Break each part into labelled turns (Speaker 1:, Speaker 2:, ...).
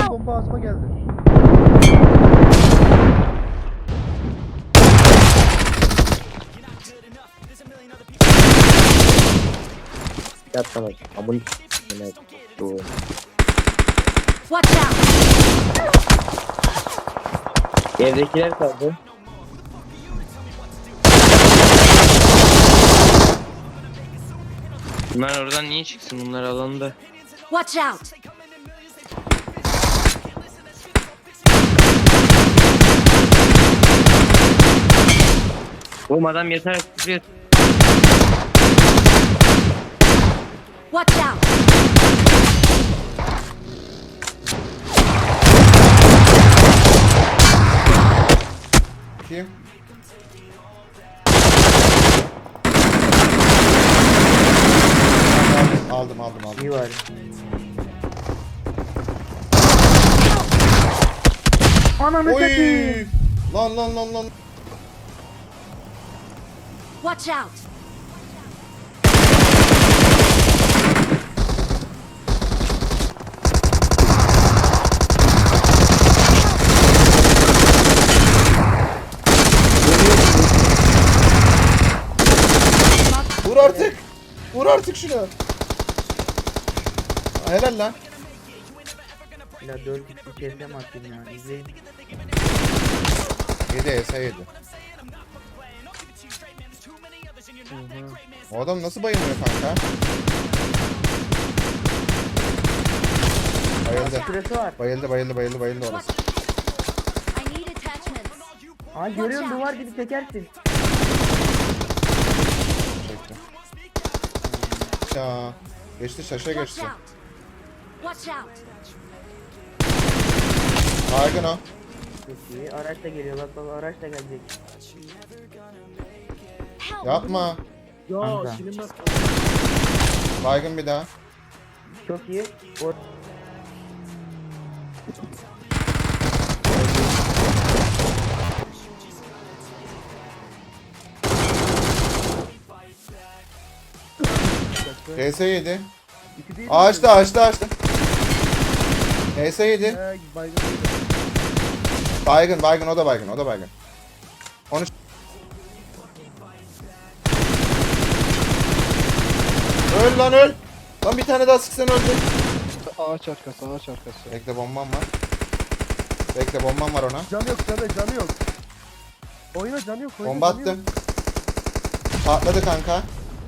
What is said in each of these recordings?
Speaker 1: bomba ağzıma geldi.
Speaker 2: Yapma bak. Amın. Evet. Doğru.
Speaker 3: Watch out!
Speaker 2: Evdekiler kaldı.
Speaker 4: Bunlar oradan niye çıksın? Bunlar alanda.
Speaker 3: Watch out!
Speaker 4: Oğlum adam yeter tutuyor.
Speaker 3: Watch out!
Speaker 5: Kim? Aldım.
Speaker 2: İyi var.
Speaker 1: Ananı satayım.
Speaker 5: Oy! Lan.
Speaker 3: Watch out!
Speaker 5: Vur artık şunu. Helal lan.
Speaker 2: Ya 4 kişi kesem atayım ya. İzleyin.
Speaker 5: 7 ESA 7. O adam nasıl bayılmıyor kanka? Bayıldı.
Speaker 2: Süresi var.
Speaker 5: Bayıldı orası.
Speaker 3: I need attachments.
Speaker 2: Aa görüyorsun duvar gibi çekersin.
Speaker 5: Çekti. Ya. Geçti şaşa
Speaker 3: Watch
Speaker 5: geçti.
Speaker 3: out! Watch out!
Speaker 5: Baygın o.
Speaker 2: Çok iyi. Araç da geliyor. Bak araç da gelecek.
Speaker 3: Help!
Speaker 5: Yapma.
Speaker 1: Ya
Speaker 2: Kanka.
Speaker 1: silinmez.
Speaker 5: Baygın bir daha.
Speaker 2: Çok iyi. O
Speaker 5: ESA 7.
Speaker 1: İki değil mi?
Speaker 5: Ağaçta. ESA 7.
Speaker 1: Baygın.
Speaker 5: Baygın o da baygın. Onu öl lan öl. Lan bir tane daha sıksan öldü.
Speaker 1: Ağaç arkası.
Speaker 5: Bekle bombam var ona.
Speaker 1: Canı yok. Oyna canı yok.
Speaker 5: Bomba attım. Patladı kanka.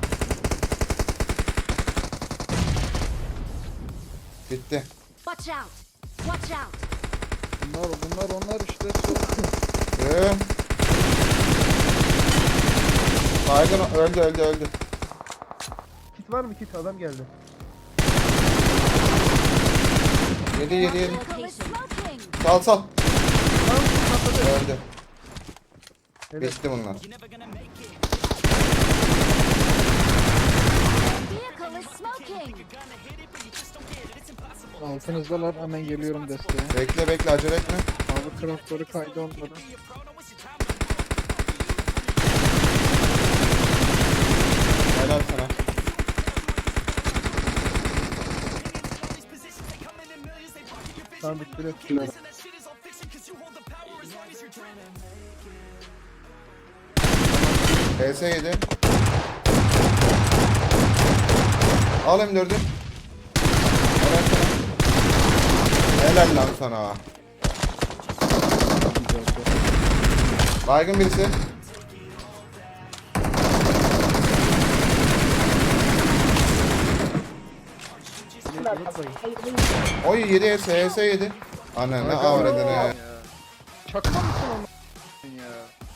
Speaker 5: Bitti.
Speaker 3: Watch out! Watch out!
Speaker 1: Bunlar onlar işte.
Speaker 5: Yürü. Baygın öldü.
Speaker 1: Kit var mı kit? Adam geldi.
Speaker 5: Yedi.
Speaker 3: Vehicle is smoking!
Speaker 5: Sal.
Speaker 1: Tamam patladı.
Speaker 5: Öldü.
Speaker 1: Evet.
Speaker 5: Bitti bunlar.
Speaker 3: Vehicle is smoking!
Speaker 6: Altınızdalar, hemen geliyorum desteğe.
Speaker 5: Bekle acele etme.
Speaker 6: Abi craftları kaydı onlara.
Speaker 5: Helal sana.
Speaker 1: Tamam bitti.
Speaker 5: PS 7. Al M4'ü. Helal lan sana. Baygın birisi. Oy 7 HS 7. Anne ne avradını.
Speaker 6: Şaka mısın onu ya?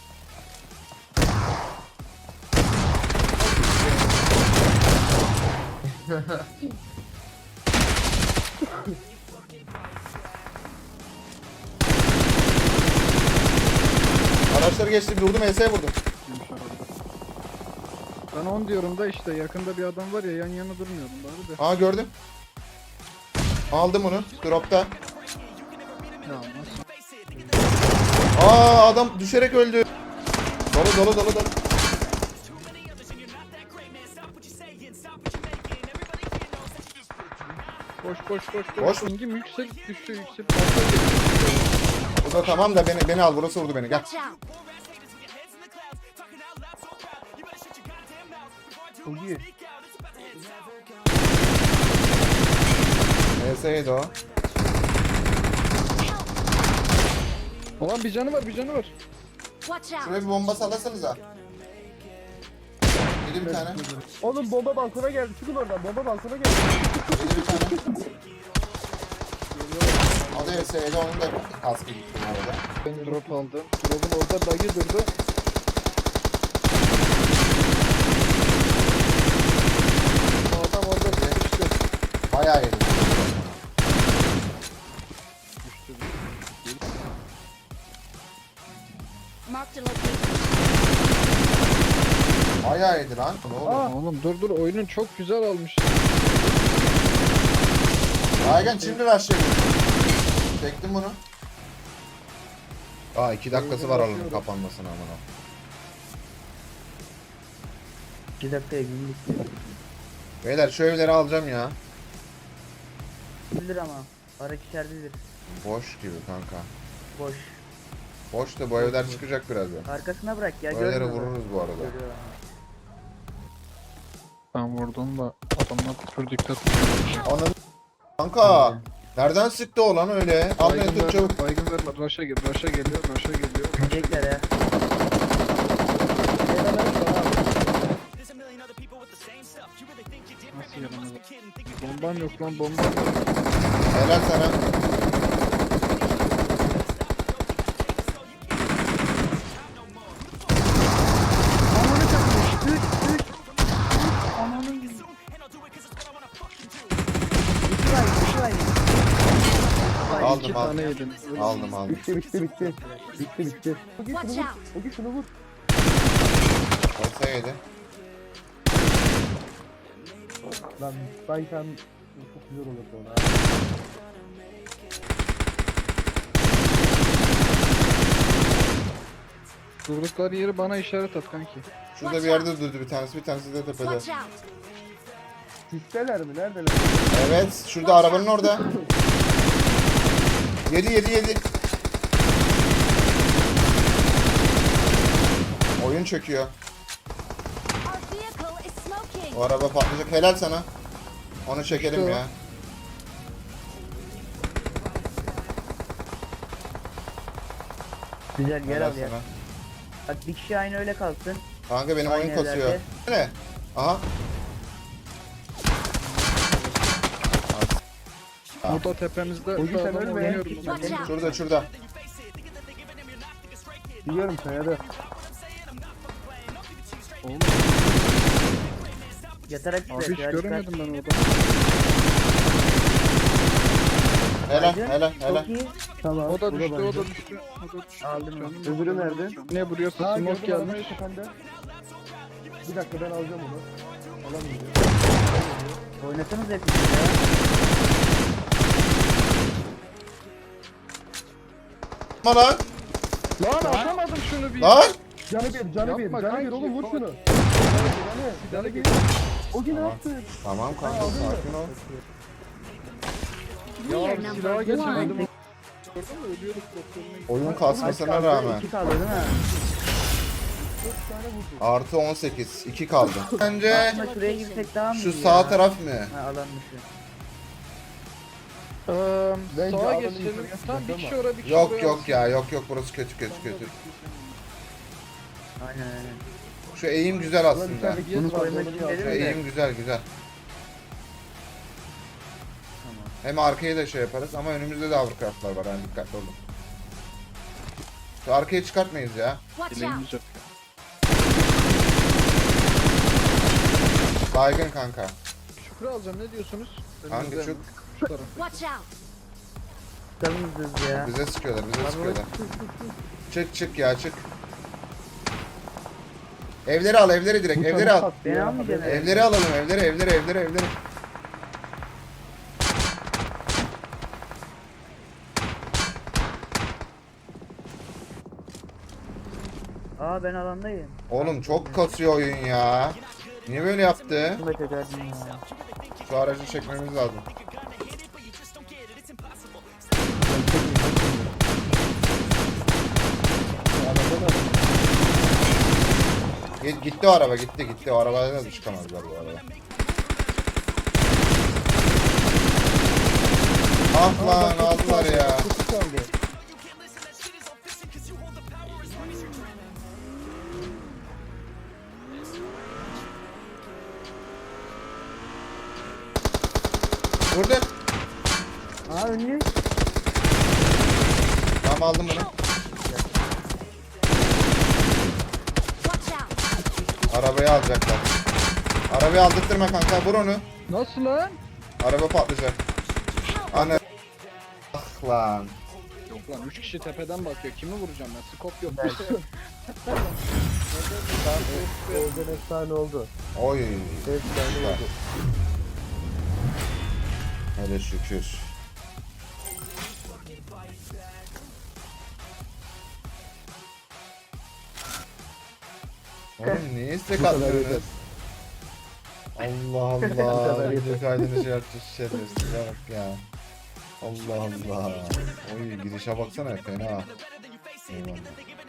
Speaker 5: Araçları geçti vurdum HS'ye vurdum.
Speaker 6: Ben 10 diyorum da işte yakında bir adam var ya, yan yana durmuyorum bari de.
Speaker 5: Aa gördüm. Aldım onu. Dropta.
Speaker 6: Ya nasıl?
Speaker 5: Aa adam düşerek öldü. Dolu.
Speaker 6: Koş.
Speaker 5: Boş mu?
Speaker 6: Pingim yükselip düştü yükselip.
Speaker 5: Bu da tamam da beni al, burası vurdu beni, gel.
Speaker 3: Watch out.
Speaker 1: Çok iyi.
Speaker 5: HS7 o.
Speaker 6: Ulan bir canı var bir canı var.
Speaker 3: Watch out.
Speaker 5: Şuraya bir bomba sallasanıza. Yedi bir tane.
Speaker 1: Oğlum bomba balkona geldi. Çıkın oradan. Bomba balkona geldi.
Speaker 5: Yedi bir tane. O da HS7, onun da kaskı gitti bu arada.
Speaker 6: Ben drop aldım. Drop'un orada bug'i durdu. Adam orada düştü.
Speaker 5: Bayağı yedi.
Speaker 3: Marked a location.
Speaker 5: Bayağı yedi lan. Ne oldu?
Speaker 6: Oğlum dur oyunun çok güzel almış.
Speaker 5: Aygen şimdi ver şey. Çektim bunu. Aa 2 dakikası var alanın kapanmasına amına.
Speaker 2: 2 dakikaya bindik.
Speaker 5: Beyler şu evleri alacağım ya.
Speaker 2: 1 lira ama. Araç içeridedir.
Speaker 5: Boş gibi kanka.
Speaker 2: Boş.
Speaker 5: Boş da bu evler çıkacak birazdan.
Speaker 2: Arkasına bırak ya.
Speaker 5: Bu evlere
Speaker 2: görmüyor musun?
Speaker 5: vururuz bu arada.
Speaker 2: Görüyor.
Speaker 6: Ben vurdum da adamlar pür dikkat.
Speaker 5: Ananı kanka. Nereden sıktı o lan öyle? Al beni tut çabuk.
Speaker 6: Baygın verme. Rush'a geliyor. Rush'a geliyor.
Speaker 2: Gidecekler ya.
Speaker 6: Nasıl yaramaz? Bomban yok lan bomban yok.
Speaker 5: Helal sana. Aldım
Speaker 6: İki
Speaker 5: aldım.
Speaker 6: tane yedin.
Speaker 5: Aldım.
Speaker 1: Bitti. Bitti. Ogi
Speaker 3: Watch
Speaker 1: şunu vur.
Speaker 3: out.
Speaker 1: Ogi şunu vur.
Speaker 5: Olsa yedi.
Speaker 1: Lan Baykan çok güzel olur sonra.
Speaker 6: Durdukları yeri bana işaret at kanki.
Speaker 5: Şurada bir yerde durdu bir tanesi de tepede.
Speaker 3: Watch out.
Speaker 1: Sisteler mi? Neredeler?
Speaker 5: Evet şurada arabanın orada. Yedi. Oyun çöküyor.
Speaker 3: Our vehicle is smoking.
Speaker 5: O araba patlayacak. Helal sana. Onu çekelim
Speaker 6: İşte o.
Speaker 5: ya.
Speaker 2: Güzel yer
Speaker 5: Helal
Speaker 2: al ya.
Speaker 5: sana.
Speaker 2: Bak bir kişi aynı öyle kalsın.
Speaker 5: Kanka benim
Speaker 2: Aynı
Speaker 5: oyun kasıyor.
Speaker 2: evlerde.
Speaker 5: Ne? Aha.
Speaker 6: Burada tepemizde
Speaker 1: Ogi sen
Speaker 6: adam
Speaker 1: ölme.
Speaker 6: oynuyorum.
Speaker 3: Watch out.
Speaker 5: Şurada.
Speaker 1: Biliyorum kayada.
Speaker 6: Oğlum
Speaker 2: Yatarak
Speaker 6: abi hiç
Speaker 2: çıkıyor.
Speaker 6: göremedim ben orada.
Speaker 5: Helal.
Speaker 2: Çok iyi.
Speaker 1: Tamam.
Speaker 6: O da
Speaker 1: bu
Speaker 6: düştü, o
Speaker 1: bence.
Speaker 6: da düştü. O da düştü.
Speaker 2: Aldım.
Speaker 6: Canım
Speaker 1: Öbürü
Speaker 6: yok.
Speaker 1: nerede?
Speaker 6: Ne buraya
Speaker 1: Ha
Speaker 6: smoke
Speaker 1: gördüm arabayı
Speaker 6: gelmiş.
Speaker 1: tepende. Bir dakika ben alacağım onu. Alamayacağım.
Speaker 2: Oynasanız hepiniz ya.
Speaker 5: Lan lan.
Speaker 6: Lan atamadım şunu bir.
Speaker 5: Lan.
Speaker 1: Canı bir
Speaker 6: Yapma
Speaker 1: canı bir
Speaker 6: kanki,
Speaker 1: oğlum vur
Speaker 6: bak.
Speaker 1: şunu. Canı bir. Ogi ne yaptın?
Speaker 5: Tamam kanka sakin ol.
Speaker 3: We are
Speaker 6: Ya
Speaker 3: number
Speaker 6: silaha geçemedim.
Speaker 3: one.
Speaker 6: Gördün mü ölüyorduk doktoruna.
Speaker 5: Oyun kasmasına rağmen.
Speaker 2: 2 kaldı değil mi?
Speaker 5: Artı 18. 2 kaldı. Bence
Speaker 2: Aslında şuraya girsek daha mı
Speaker 5: şu
Speaker 2: iyi
Speaker 5: sağ
Speaker 2: ya?
Speaker 5: taraf mı?
Speaker 2: Ha alan dışı.
Speaker 1: Bence
Speaker 6: Sağa
Speaker 1: adamın
Speaker 6: geçelim.
Speaker 1: yukarıya
Speaker 6: Tam bir
Speaker 1: çıkacak
Speaker 6: kişi
Speaker 1: ama.
Speaker 6: oraya bir kişi
Speaker 5: Yok
Speaker 6: buraya.
Speaker 5: yok ya yok burası kötü.
Speaker 2: Aynen.
Speaker 5: Şu eğim güzel
Speaker 1: Ulan
Speaker 5: aslında.
Speaker 1: içerideki
Speaker 2: Bunu
Speaker 1: yes var,
Speaker 2: koymak
Speaker 1: onu bir
Speaker 2: için
Speaker 1: al.
Speaker 2: dedim.
Speaker 5: Şu eğim güzel. Hem arkaya da şey yaparız ama önümüzde de hovercraftlar var yani dikkatli olun. Şu arkaya çıkartmayız ya.
Speaker 3: Watch out.
Speaker 6: Dileğimiz yok.
Speaker 5: Baygın kanka.
Speaker 6: Şükrü alacağım ne diyorsunuz?
Speaker 5: Hangi
Speaker 6: Önümüzden,
Speaker 5: çok?
Speaker 6: Şu taraf.
Speaker 3: Watch out.
Speaker 2: Kalınız ya.
Speaker 5: Bize sıkıyorlar.
Speaker 2: Abi
Speaker 5: Çık ya çık. Evleri al direkt evleri al.
Speaker 2: Ben almayacağım.
Speaker 5: Evleri alalım evleri.
Speaker 2: Aa ben alandayım.
Speaker 5: Oğlum çok kasıyor oyun ya. Niye böyle yaptı?
Speaker 2: Şunu da çekerdim ya.
Speaker 5: Şu aracı çekmemiz lazım. Gitti o araba gitti. O arabaya da çıkamazlar bu araba. Ah lan aldılar ya.
Speaker 1: Kutu kaldı.
Speaker 5: Vurdu.
Speaker 1: Aa önlü.
Speaker 5: Tamam aldım bunu.
Speaker 3: Watch out.
Speaker 5: Arabayı alacaklar. Arabayı aldırtma kanka vur onu.
Speaker 6: Nasıl lan?
Speaker 5: Araba patlayacak. Anne. Ah lan.
Speaker 6: Yok lan 3 kişi tepeden bakıyor. Kimi vuracağım ben? Skop yok.
Speaker 1: Golden efsane oldu.
Speaker 5: Oy.
Speaker 1: Efsane oldu.
Speaker 5: Hele şükür. Oğlum niye istek
Speaker 1: Bu kadar
Speaker 5: atmıyorsunuz?
Speaker 1: yeter.
Speaker 5: Allah
Speaker 1: Bu
Speaker 5: Allah.
Speaker 1: kadar
Speaker 5: Video
Speaker 1: yeter.
Speaker 5: kaydını şey yapacağız şerefsiz bak ya. Allah Allah. Oy girişe baksana fena. Eyvallah.